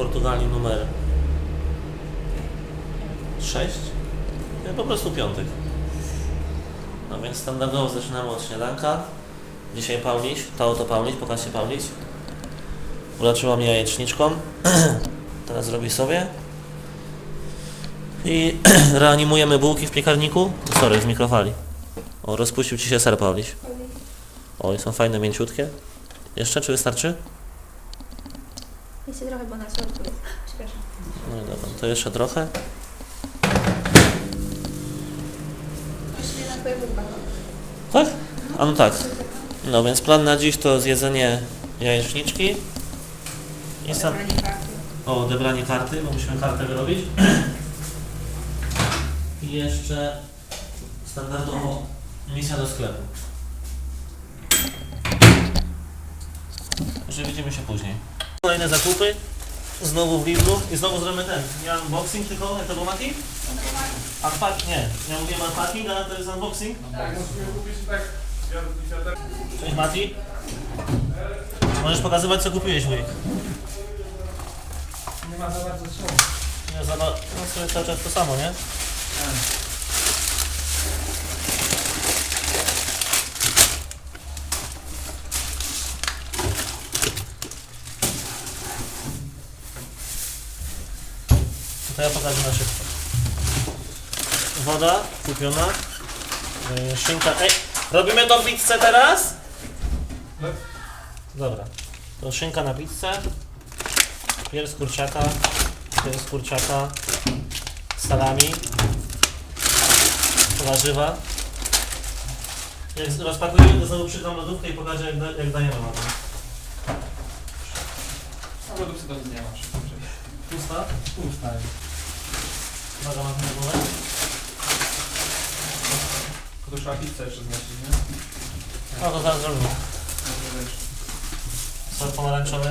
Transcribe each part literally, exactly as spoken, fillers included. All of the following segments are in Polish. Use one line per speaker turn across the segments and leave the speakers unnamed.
Portugalii numer sześć. Nie, po prostu piątek. No więc standardowo zaczynamy od śniadanka. Dzisiaj Pauliś, to oto Pauliś, pokaż się Pauliś. Uleczyła mnie jajeczniczką. Teraz zrobi sobie. I reanimujemy bułki w piekarniku. Sorry, w mikrofali. O, rozpuścił ci się ser, Pauliś. O, i są fajne, mięciutkie. Jeszcze, czy wystarczy?
Jeszcze trochę, bo na środku jest. Przepraszam.
No i dobra, to jeszcze trochę.
Jeszcze na twoje bułka.
Tak? A no tak. No więc plan na dziś to zjedzenie jajeczniczki. I sam... O, odebranie karty, bo musimy kartę wyrobić. I jeszcze standardowo misja do sklepu. Także widzimy się później. Kolejne zakupy. Znowu w Lidlu. I znowu zrobimy ten. Nie unboxing tylko, jak to był Mati? Unpack, nie. Ja mówiłem unpacking, a to jest unboxing?
Tak, musimy kupić tak.
Cześć Mati. Możesz pokazywać, co kupiłeś, wujek.
Nie ma za bardzo co.
Nie, za, no sobie cały czas to samo, nie? To ja pokażę na szybko. Woda kupiona. Yy, szynka. Ej, robimy tą pizzę teraz? Dobra. To szynka na pizzę. Pierś z kurczaka. Pierś z kurczaka. Salami. Warzywa. Jak rozpakujemy, to znowu przykram lodówkę i pokażę, jak, da, jak dajemy na to.
A lodówce to nie masz.
Pusta?
Pusta jest.
Uwaga, mam na głowę.
To trzeba pizzę jeszcze znaleźć, nie?
No to zaraz zrobimy.
Dobrze, wiesz.
Sos pomarańczowy.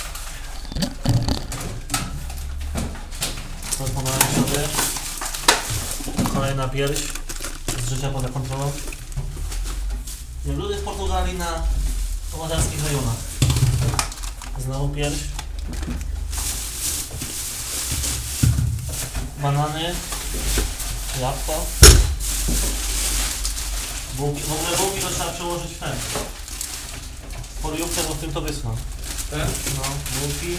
Sos pomarańczowy. Kolejna pierś z życia poza kontrolą. Jak ludzie w Portugalii na pomorzanskich rejonach. Znowu pierś. Banany. Jabłko. Bułki. W ogóle bułki to trzeba przełożyć w ten. W foliówkę, bo w tym to wyschną.
Ten?
No, bułki.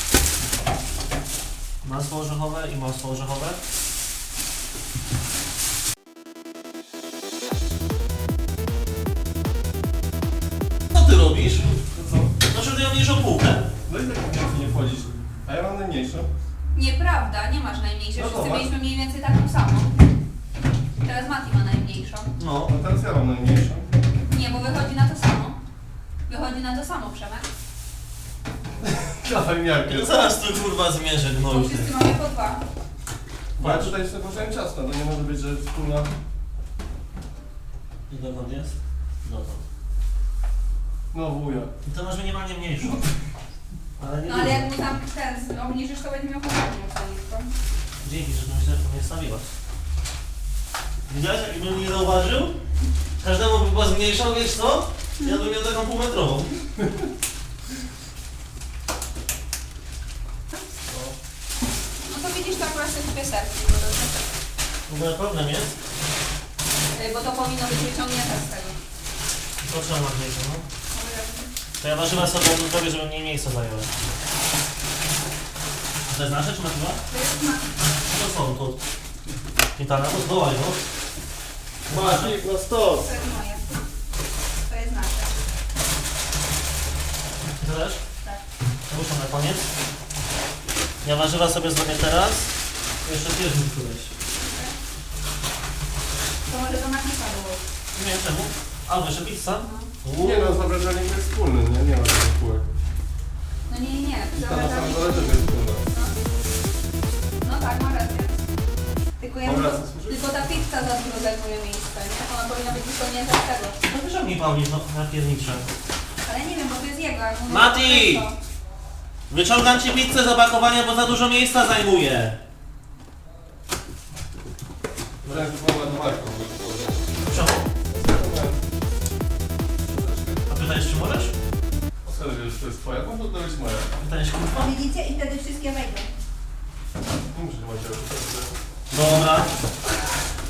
Masło orzechowe i masło orzechowe. Co ty robisz?
To co?
Znaczy ty ją mniejszą półkę.
No i tak nie wchodzić. A ja mam najmniejszą.
Nieprawda, nie masz najmniejszej.
No
Wszyscy
zobacz.
mieliśmy mniej więcej taką samą. Teraz Mati ma najmniejszą.
No.
No teraz ja mam najmniejszą.
Nie, bo wychodzi na to samo. Wychodzi na to samo, Przemek.
Dawaj miarkę.
To zaraz tu kurwa zmierzę
Bo
gnoju.
wszyscy mamy po dwa.
Bo ja tutaj sobie położyłem ciasto, to nie może być, że wspólna...
I dokąd jest? Dotąd.
No wuja.
I to masz minimalnie mniejszą. Ale nie
No ale
dużo.
jak mu tam ten obniżysz, to będzie miał podobną stanowisko.
Dzięki, że to myślę, że mnie stawiłaś. Widziałeś, jakbym nie zauważył? Każdemu by była zmniejszał, wiesz co? Ja bym miał taką półmetrową.
No to widzisz, to akurat sobie dwie serki.
W ogóle problem jest.
Bo to powinno być wyciągnięte z tego.
To trzeba ma mniejsze, no. To ja warzywa sobie zrobię, żeby mniej miejsca zajęły. A to jest nasze, czy nazywa?
To jest na...
To są tu. Pitana, to zwołaj, no.
Maciek na stos!
To jest moje. To jest nasze.
Ty też?
Tak.
To muszę na koniec. Ja warzywa sobie zrobię teraz. Jeszcze pierś mi któreś.
To może to napisa było.
Nie wiem czemu. A, jeszcze pizza? Uuu.
Nie no, zobrażenie to jest wspólny, nie? Nie ma takich kółek.
No nie, nie, nie.
I
To
ta na samym
zabrali-
dole też jest wspólna.
No. No tak, ma rację. Tylko, ja
Dobra,
tylko,
co służy?
tylko ta pizza za dużo zajmuje miejsce, nie? Ona powinna być wyciągnięta z tego.
No wyciągnij Pauli, no, na piernicze.
Ale nie wiem, bo to jest jego. Jak mówię,
Mati!
to-
Wyciągam ci pizzę z opakowania, bo za dużo miejsca zajmuje.
Wręcz była ładowarką.
Czemu? A pytałeś, czy możesz?
Skąd wiesz, że to jest twoja? No to być moja.
Pytałeś, kurwa?
O, widzicie? I wtedy wszystkie wejdą.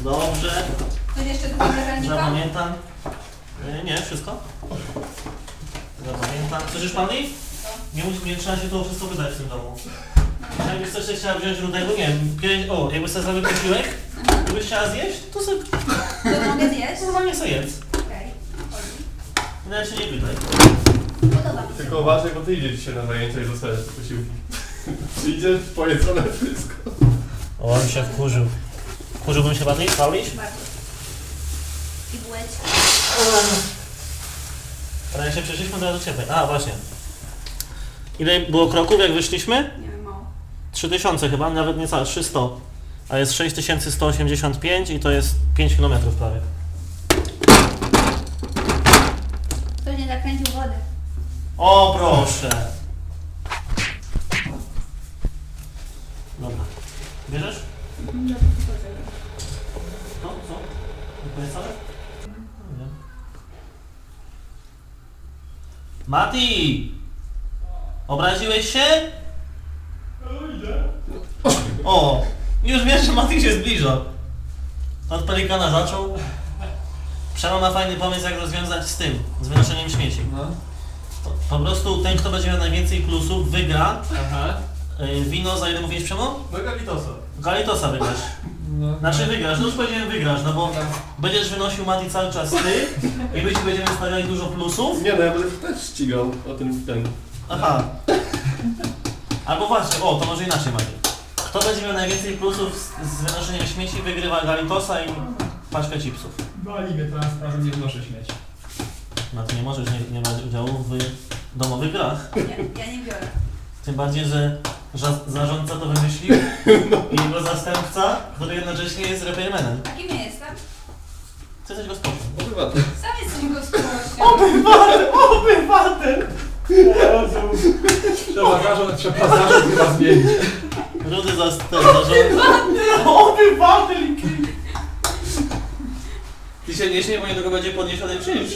Dobrze.
Coś jeszcze do piekarnika?
Zapamiętam. Yy, nie, wszystko. Zapamiętam. Coś już pani? Nie, musi, nie trzeba się to wszystko wydać w tym domu. Jakbyś coś jeszcze chciała wziąć rudego, nie wiem, kiedyś, o, jakbyś sobie zrobił posiłek, jakbyś chciała zjeść, to sobie
To mogę zjeść?
normalnie sobie jedz.
Okej. Chodzi.
Nawet się nie pytaj.
Podoba mi się.
Tylko uważaj, bo ty idziesz dzisiaj na zajęcia i zostajesz te posiłki. Idziesz, pojedzone wszystko.
O, on się wkurzył. Wkurzyłbym się bardziej, Pauliś?
Bardzo. I bułeczki.
Ale jak się przeszliśmy, to do ciebie. A, właśnie. Ile było kroków, jak wyszliśmy?
Nie wiem, mało.
trzy tysiące chyba, nawet niecałe, trzysta. A jest sześć tysięcy sto osiemdziesiąt pięć i to jest pięć kilometrów prawie.
Ktoś nie zakręcił wody.
O, proszę. Dobra. Bierzesz? No, co? Nie powiedz wcale? Nie. Mati! Obraziłeś się? O! Już wiesz, że Mati się zbliża. Od pelikana zaczął. Przemo ma fajny pomysł, jak rozwiązać z tym, z wynoszeniem śmieci.
No.
Po, po prostu ten, kto będzie miał najwięcej plusów, wygra.
Aha.
Yy, wino, za ile mówisz, Przemo?
No Galitosa.
Galitosa wygrasz.
No.
Znaczy wygrasz, no już powiedziałem wygrasz, no bo będziesz wynosił Mati cały czas ty i my ci będziemy stawiali dużo plusów.
Nie no, ja będę też ścigał o ten ten.
Aha. Albo właśnie, o, to może inaczej, Mati. Kto będzie miał najwięcej plusów z, z wynoszeniem śmieci, wygrywa Galitosa i paczkę chipsów.
Bali mnie teraz, że nie wnoszę śmieci.
Mati, nie możesz nie, nie brać udziału w domowych grach.
Nie, ja nie biorę.
Tym bardziej, że ża- zarządca to wymyślił i jego zastępca, który jednocześnie jest repairmanem.
A kim ja jestem?
Ty jesteś gospodarzem.
Obywatel.
Sam jesteś gospodarzem.
Obywatel! Obywatel!
Trzeba zarząd, trzeba zarząd chyba zmienić.
Rudy zastępca zarządca. Obywatel! Ty się nie śmiej, bo niedługo będzie podniesiony czynsz.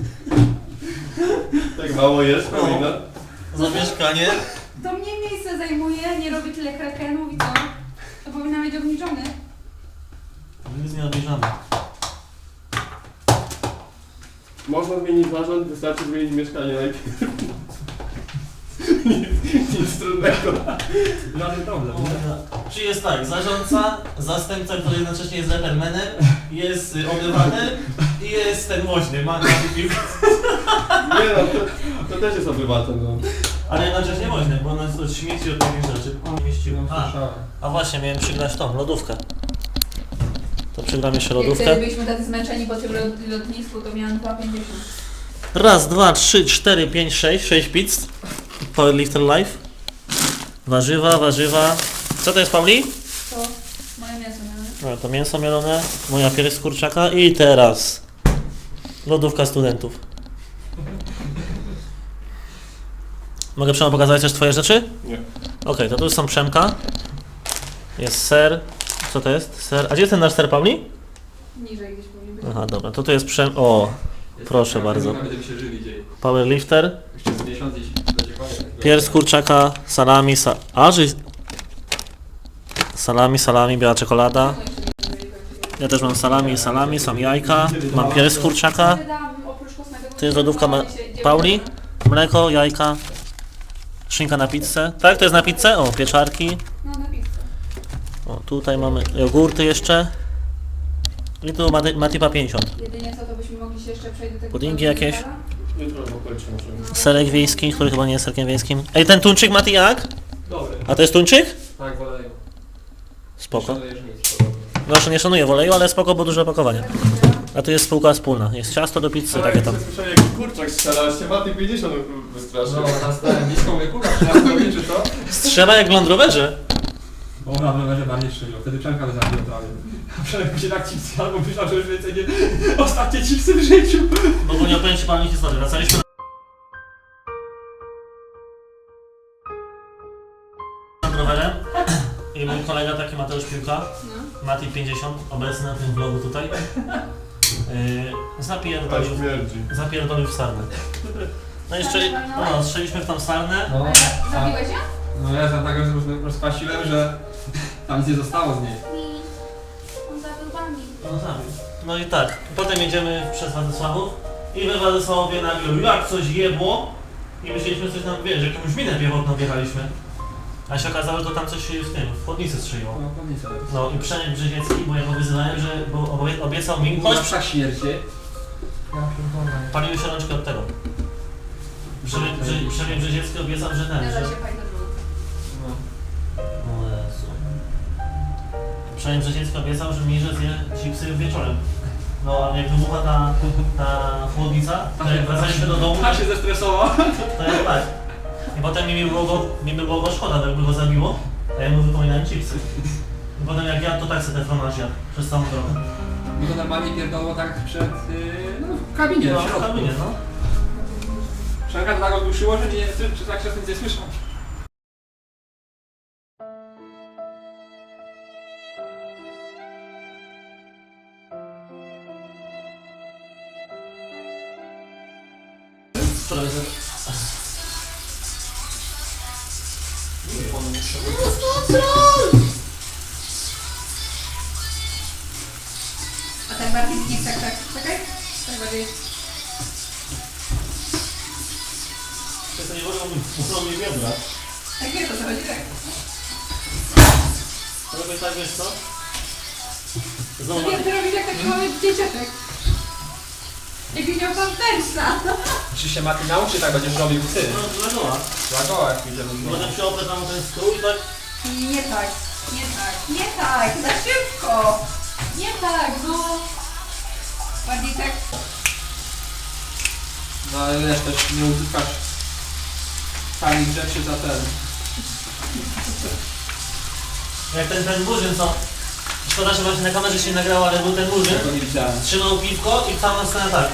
Tak mało jest,
No.
powinna.
Za mieszkanie.
To mnie miejsce zajmuje, nie robi tyle krakenów i co? To powinna być obniżony.
Nic nie obejrzamy.
Można zmienić zarząd, wystarczy zmienić mieszkanie najpierw. nic, nic trudnego.
Żaden problem.
Czy jest tak, zarządca, zastępca, który jednocześnie jest repairmanem, jest y, obywatel i jest ten woźny, ma na piłkę.
Nie no, to, to też jest obywatel, no.
Ale jednocześnie woźny, bo on jest od śmieci od takich rzeczy. Mieścił. A, a właśnie, miałem przygrać tą, lodówkę. To przygram jeszcze lodówkę.
Wtedy byliśmy tacy zmęczeni po tym lot- lotnisku, to miałam dwa pięćdziesiąt.
Raz, dwa, trzy, cztery, pięć, sześć, sześć pizz. Powerlifter Life. Warzywa, warzywa. Co to jest, Pauli?
To moje mięso miałem.
No, to mięso mielone, moja pierś z kurczaka i teraz lodówka studentów. Mogę Przemo pokazać też twoje rzeczy?
Nie.
Okej, to tu są Przemka. Jest ser. Co to jest? Ser. A gdzie jest ten nasz ser, Pauli?
Niżej gdzieś powinien być.
Aha, dobra, to tu jest Przem... O, proszę bardzo.
Będziemy się żyli dzień.
Powerlifter.
Jeszcze z miesiąc i będzie koniec.
Pierś z kurczaka, salami, sa... A, że... Salami, salami, biała czekolada. Ja też mam salami, salami, są jajka. Mam pierś z kurczaka.
Wydałam oprócz kosmetyków.
To jest lodówka ma... Pauli. Mleko, jajka. Szynka na pizzę. Tak, to jest na pizzę? O, pieczarki.
No na pizzę.
O, tutaj mamy jogurty jeszcze. I tu Mati- Matipa pięćdziesiąt.
Jedynie co, to byśmy mogli się jeszcze przejść do tego...
Puddingi jakieś?
Jutro w okolicy możemy.
Serek wiejski, który chyba nie jest serkiem wiejskim. Ej, ten tuńczyk, Mati, jak?
Dobry.
A to jest tuńczyk?
Tak, wolę.
Spoko.
Szanujesz nic, podobno.
Proszę, nie szanuję w oleju, ale spoko, bo duże opakowanie. A tu jest spółka wspólna. Jest ciasto do pizzy, takie tam.
Słyszałem jak kurczak strzela, się Maty pięćdziesiąt wystraszył.
No, teraz stałem niską mówię, kurwa, trzeba czy co?
Strzela jak w Land Roverze.
Bo ona w rowerze bardziej strzelił, wtedy Przemka by zabił prawie. A Przemek się tak chipsy, albo myślał, że już więcej nie... Ostatnie chipsy w życiu.
Bo bo nie opowiem ci panu historii. Wracaliśmy Land Roverem i mój kolega taki Mateusz Piłka,
No.
Mati pięćdziesiąt, obecny na tym vlogu tutaj, yy, zapierdolił,
Ale śmierdzi.
zapierdolił w sarnę. No i strzeli, no, strzeliśmy w tą sarnę.
No,
A zabiłeś ją?
no ja za tak rozkwasiłem, że tam nic nie zostało z niej.
On zabił wami.
No tak. No i tak, potem jedziemy przez Władysławów i we Władysławowie nagle jak coś jebło i myśleliśmy coś tam, wiesz, jakąś minę piechotną wjechaliśmy. A się okazało, że to tam coś w tym, w chłodnicy strzeliło.
No, pewnie sobie.
No i Przemysł Brzeziecki, bo ja go wyzywałem, że bo obie- obiecał mi,
Chodź
chodź,
psa śmierci. Ja pierdolę.
paliły się rączki od tego. Przemysł Brze- Przemysł Brzeziecki obiecał, że ten,
Nie da
że...
się fajnie zrobić.
No.
O Jezu. Przemysł Brzeziecki obiecał, że mi, że zje chipsy wieczorem. No a jak wybucha ta, ta chłodnica, to jak wracaliśmy do domu,
Tak się zestresował.
to jak tak. I potem mi, mi, było go, mi by było go szkoda, bo jakby go zabiło, a ja mu wypominałem chipsy. I potem jak ja to tak sobie te fromaż jadł przez całą drogę.
Bo to normalnie pierdolło tak przed, yy, no w kabinie,
No,
w
w
środku.
kabinie, no.
Przemka to tak ogłuszyło, że nie, czy, czy tak się nic nie słyszał.
Wczoraj za...
A tak bardziej nie tak, tak, czekaj. Tak bardziej.
To nie wolno mi, wolno mi biodra.
Tak jest, o co chodzi, tak.
Robię tak, wiesz co? Znowu
To ty robisz jak taki mały dzieciaczek. Jak miał pan persa.
Czy się Mati nauczy, tak będziesz robił ty?
no, na goła.
Dla goła jak idziemy z
Potem się oprę tam o ten stół i tak...
Nie tak, nie tak, nie tak, za szybko. Nie tak, no. Bardziej tak.
No ale wiesz, też nie uzyskasz tanich rzeczy za ten.
Jak ten, ten murzyn, co... Szkoda, że właśnie na kamerze się nie nagrało, ale był ten murzyn.
Tego nie widziałem.
Trzymał piwko i całą scenę tak.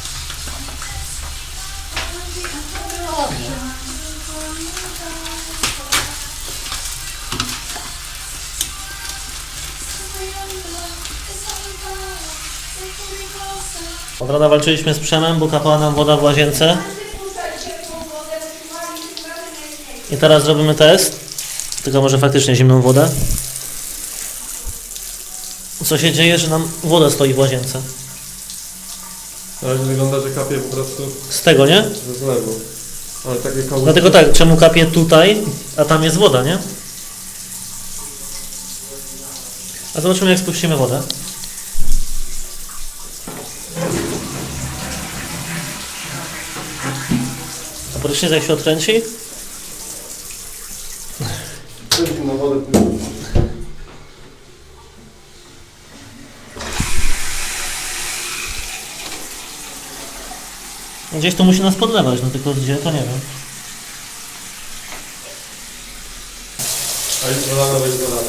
Od rana walczyliśmy z Przemem, bo kapała nam woda w łazience. I teraz zrobimy test. Tylko może faktycznie zimną wodę. Co się dzieje, że nam woda stoi w łazience?
Na razie wygląda, że kapie po prostu
Z tego, nie?
ze zlewu. Ale takie koło...
Dlatego tak, czemu kapie tutaj, a tam jest woda, nie? A zobaczymy, jak spuścimy wodę. A prysznic jak się odkręci?
Na wodę.
Gdzieś to musi nas podlewać, no tylko gdzie, to nie wiem.
A jest dolana, to jest dolana.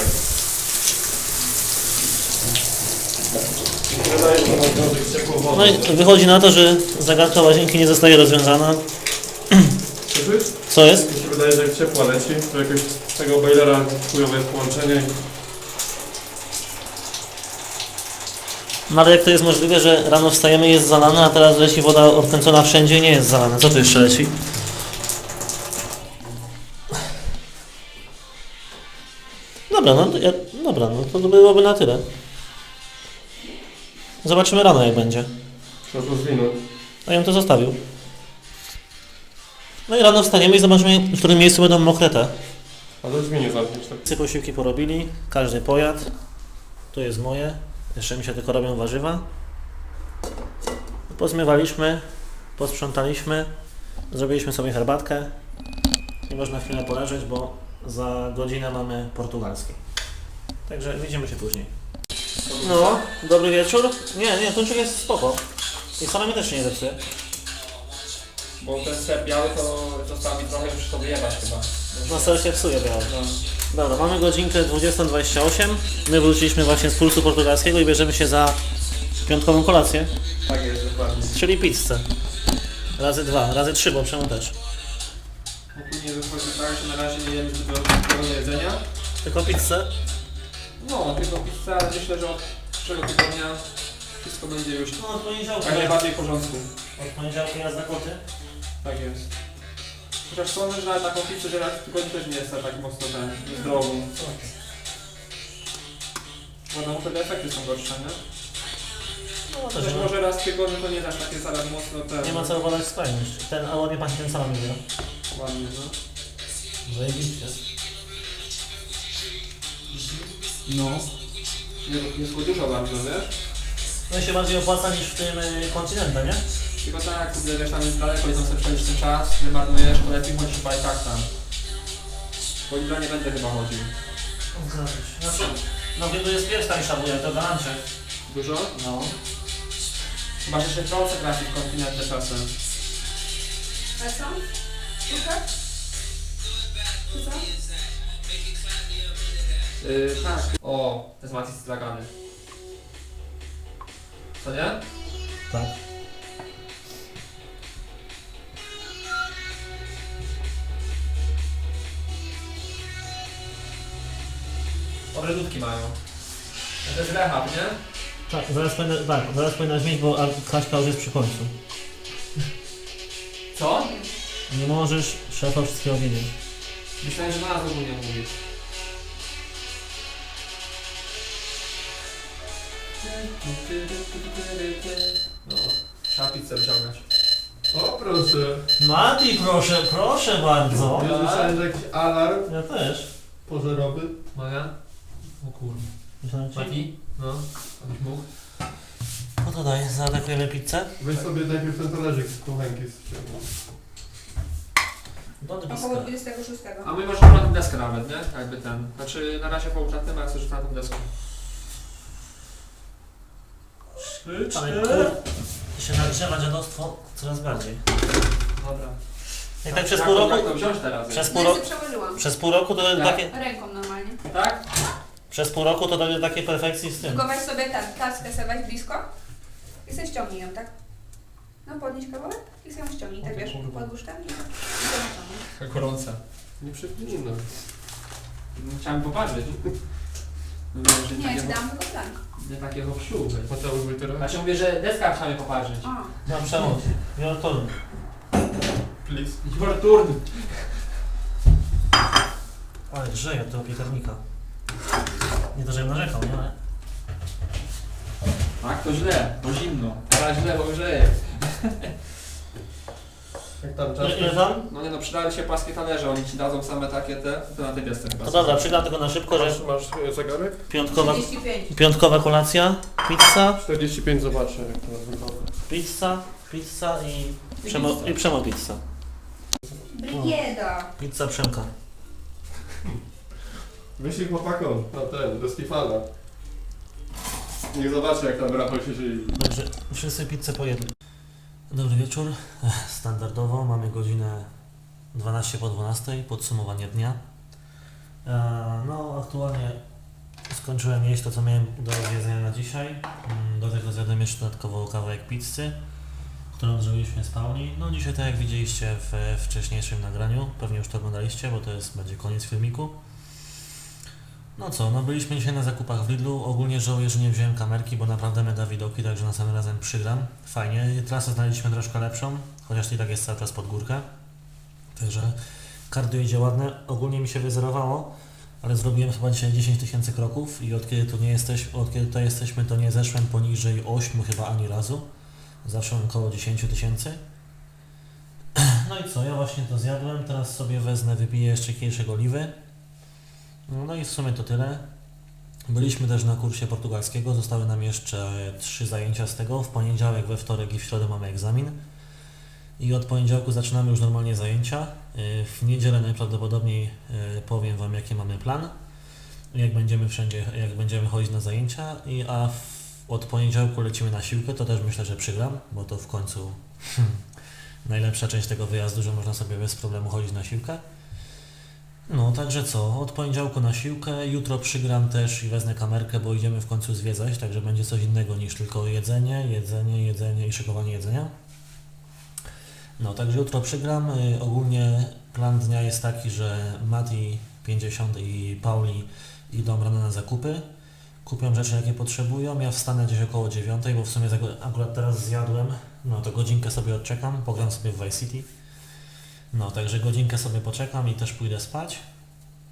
Wydaje się, że na wniosek ciepłą wodę.
No i wychodzi na to, że zagadka łazienki nie zostaje rozwiązana.
Słyszysz?
Co jest?
Mi się wydaje, że jak ciepła leci, to jakoś z tego boilera chujowe jest połączenie i...
No ale jak to jest możliwe, że rano wstajemy i jest zalane, a teraz leci woda odkręcona wszędzie i nie jest zalana? Co tu jeszcze leci? Dobra, no to, ja, dobra, no to byłoby na tyle. Zobaczymy rano, jak będzie.
Trzeba to zwinąć.
A ja bym to zostawił. No i rano wstaniemy i zobaczymy, w którym miejscu będą mokre te.
A to zmienię zamknięć tak.
Wszyscy posiłki porobili, każdy pojadł. Tu jest moje. Jeszcze mi się tylko robią warzywa. Pozmywaliśmy, posprzątaliśmy, zrobiliśmy sobie herbatkę i można chwilę poleżeć, bo za godzinę mamy portugalskie. Także widzimy się później. No, dobry wieczór. Nie, nie, tuńczyk jest spoko. I salami też się nie zepsuje.
Bo ten ser biały to został mi trochę już sobie jebać chyba.
No ser się psuje biało.
No.
Dobra, mamy godzinkę dwudziestą dwadzieścia osiem. My wróciliśmy właśnie z pulsu portugalskiego i bierzemy się za piątkową kolację,
Tak jest, dokładnie.
czyli pizzę. Razy dwa, razy trzy, bo przemu też.
Ogólnie wychodzi tak, że na razie nie jemy zbyt dużo jedzenia.
Tylko pizzę.
No, tylko pizza, ale myślę, że od przyszłego tygodnia wszystko będzie już
No od poniedziałku.
jak najbardziej w porządku.
Od poniedziałku jazda koty.
Tak jest. Chociaż sądzę, że nawet taką pizzę, że raz w tygodniu też nie jest tak mocno ten, zdrową. Bo no wtedy efekty są gorsze, nie?
No też
Też
nie ma,
może raz w tygodniu to nie dasz takie zaraz mocno ten...
nie ma co obalać skrajność. Ten, a ładnie pachnie ten salami, nie?
Ładnie, no.
Zajebiście.
No. Jest, jest dużo bardzo, wiesz?
No i się bardziej opłaca niż w tym y, kontynencie, nie?
Tylko tak, kurde, wiesz, tam jest daleko i tam sobie przejdziesz ten czas, wymarnujesz, to lepiej chodzić chyba i tak tam. Po Lidla nie będę chyba chodził.
Znaczy, no Lidl jest pierwsza tańsza wuja, to garancie.
Dużo?
No.
Chyba, że się trące trafi w kontynencie czasem.
A co? Słuchaj? Co?
Yy, tak. O, to jest Matis stragany. Co nie?
Tak.
Dobre dudki mają. To jest rehab, nie?
Tak, zaraz powinna, tak, zaraz powinnaś mieć, bo a- Kaśka już jest przy końcu.
Co?
Nie możesz szefa wszystkiego wiedzieć.
Myślałem, że na nas ogólnie mówisz. No, trzeba pizzę wyciągać.
O, proszę.
Mati, proszę, proszę bardzo.
Ja słyszałem, że jakiś alarm
Ja też.
pożarowy.
Moja? O kurde.
Myślałem ci.
Mati? No, abyś mógł.
No to daj, zaatakujemy pizzę.
Weź sobie najpierw ten talerzyk z kuchenki ściągnął.
Dony
Około
blisko.
dwudziestego szóstego.
A my możemy na tą deskę nawet, nie? Jakby ten. Znaczy na razie połóż na tym, a jak chcesz na tą deskę.
Ale kur... się nagrzewa dziadostwo coraz bardziej.
Dobra.
Jak tak przez
Jak
pół
to-
roku...
Jak to wziąć teraz?
Przez
No
pół
ja
roku...
sobie przełożyłam.
Przez pół roku to
Tak.
takie...
Ręką normalnie.
Tak?
Przez pół roku to dojdzie do takiej perfekcji z tym.
Tylko weź sobie ten, taskę sobie weź blisko i sobie ściągnij ją, tak? No podnieś kawałek i sobie ją ściągnij, tak
O ty
wiesz,
kurwa.
podłóż tam i i sobie ściągnij.
Tak gorące.
Nie przypomnę.
Chciałem popatrzeć. No wiem, że
Nie,
takie
ci dam tylko plan.
nie takiego pszczół.
Mateusz Wojtera.
Ja się mówię, że deska chciałem popatrzeć.
O,
Mam przemoc. Wielotolny.
Please.
Turn.
Ale grzeje od tego piekarnika. Nie to, żebym narzekał, nie? Ale...
Tak, to źle, bo zimno. Teraz źle, bo grzeje.
Jak tam czas?
Ile, ile tam?
No nie no, przydały się płaskie talerze, oni ci dadzą same takie te, to na tej desce chyba.
To dobra, przygram tylko na szybko, że
Masz, masz e, zegarek?
piątkowa,
trzydzieści pięć.
piątkowa kolacja, pizza,
czterdzieści pięć, zobaczę jak to wygląda.
pizza, pizza i,
I
przemo,
pizza.
i przemo pizza.
Brygieda.
Pizza Przemka.
Wyślij chłopakom na ten, do Stefana. Niech zobaczy jak tam Rafał się żyje.
Dobrze, wszyscy pizzę pojedli. Dobry wieczór. Ech, Standardowo mamy godzinę dwanaście po dwunastej, podsumowanie dnia. E, No, aktualnie skończyłem jeść to, co miałem do zjedzenia na dzisiaj. Mm, Do tego zjadłem jeszcze dodatkowo kawałek pizzy, którą zrobiliśmy z Pauli. No dzisiaj, tak jak widzieliście w wcześniejszym nagraniu, pewnie już to oglądaliście, bo to jest, będzie koniec filmiku. No co, no byliśmy dzisiaj na zakupach w Lidlu. Ogólnie żałuję, że nie wziąłem kamerki, bo naprawdę mega widoki, także następnym razem przygram. Fajnie, trasę znaleźliśmy troszkę lepszą, chociaż i tak jest cały czas pod górkę. Także kardio idzie ładne. Ogólnie mi się wyzerowało, ale zrobiłem chyba dzisiaj dziesięć tysięcy kroków i od kiedy tu nie jesteś, od kiedy tutaj jesteśmy, to nie zeszłem poniżej ośmiu chyba ani razu. Zawsze około dziesięć tysięcy. No i co, ja właśnie to zjadłem, teraz sobie wezmę, wypiję jeszcze kieliszek oliwy. No i w sumie to tyle. Byliśmy też na kursie portugalskiego, zostały nam jeszcze trzy zajęcia z tego. W poniedziałek, we wtorek i w środę mamy egzamin. I od poniedziałku zaczynamy już normalnie zajęcia. Yy, W niedzielę najprawdopodobniej yy, powiem Wam, jaki mamy plan. Jak będziemy wszędzie, jak będziemy chodzić na zajęcia. I, a w, od poniedziałku lecimy na siłkę, to też myślę, że przygram, bo to w końcu hmm, najlepsza część tego wyjazdu, że można sobie bez problemu chodzić na siłkę. No, także co, od poniedziałku na siłkę, jutro przygram też i wezmę kamerkę, bo idziemy w końcu zwiedzać, także będzie coś innego niż tylko jedzenie, jedzenie, jedzenie i szykowanie jedzenia. No, także jutro przygram. Y, ogólnie plan dnia jest taki, że Mati pięćdziesiąt i Pauli idą rano na zakupy, kupią rzeczy, jakie potrzebują, ja wstanę gdzieś około dziewiątej, bo w sumie zago- akurat teraz zjadłem, no to godzinkę sobie odczekam, pogram sobie w Vice City. No, także godzinkę sobie poczekam i też pójdę spać.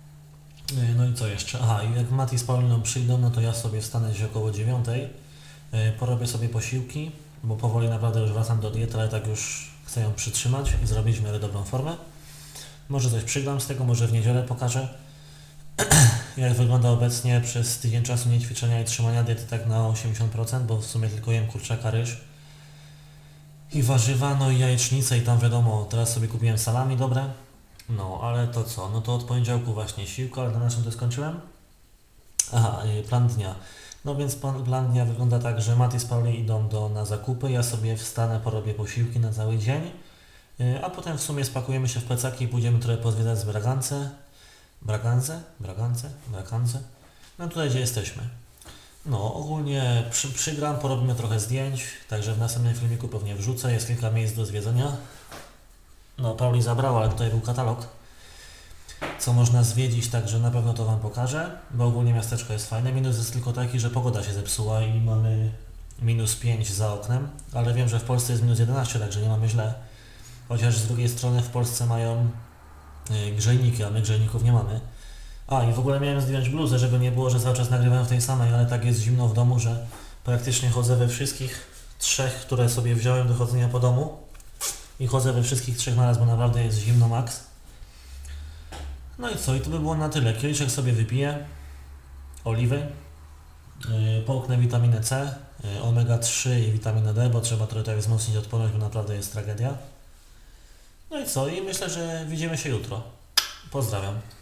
Yy, No i co jeszcze? Aha, i jak Mati z Pauliną przyjdą, no to ja sobie wstanę gdzieś około dziewiątej Yy, porobię sobie posiłki, bo powoli naprawdę już wracam do diety, ale tak już chcę ją przytrzymać i zrobić w miarę dobrą formę. Może coś przygram z tego, może w niedzielę pokażę, jak wygląda obecnie przez tydzień czasu niećwiczenia i trzymania diety tak na osiemdziesiąt procent, bo w sumie tylko jem kurczaka, ryż i warzywa, no i jajecznicę i tam wiadomo, teraz sobie kupiłem salami dobre. No, ale to co? No to od poniedziałku właśnie siłka, ale na czym to skończyłem? Aha, yy, plan dnia. No więc plan, plan dnia wygląda tak, że Mati z Pauli idą do, na zakupy, ja sobie wstanę, porobię posiłki na cały dzień, yy, a potem w sumie spakujemy się w plecaki i pójdziemy trochę pozwiedzać z Bragance. Bragance? Bragance? Bragance? No tutaj gdzie jesteśmy. No ogólnie przy, przygram, porobimy trochę zdjęć, także w następnym filmiku pewnie wrzucę, jest kilka miejsc do zwiedzenia. No Pauli zabrała, ale tutaj był katalog, co można zwiedzić, także na pewno to Wam pokażę, bo ogólnie miasteczko jest fajne. Minus jest tylko taki, że pogoda się zepsuła i mamy minus pięć za oknem, ale wiem, że w Polsce jest minus jedenaście, także nie mamy źle. Chociaż z drugiej strony w Polsce mają yy, grzejniki, a my grzejników nie mamy. A i w ogóle miałem zdjąć bluzę, żeby nie było, że cały czas nagrywam w tej samej, ale tak jest zimno w domu, że praktycznie chodzę we wszystkich trzech, które sobie wziąłem do chodzenia po domu. I chodzę we wszystkich trzech naraz, bo naprawdę jest zimno max. No i co? I to by było na tyle. Kieliszek sobie wypiję. Oliwy. Yy, połknę witaminę C, yy, omega trzy i witaminę D, bo trzeba trochę tak wzmocnić odporność, bo naprawdę jest tragedia. No i co? I myślę, że widzimy się jutro. Pozdrawiam.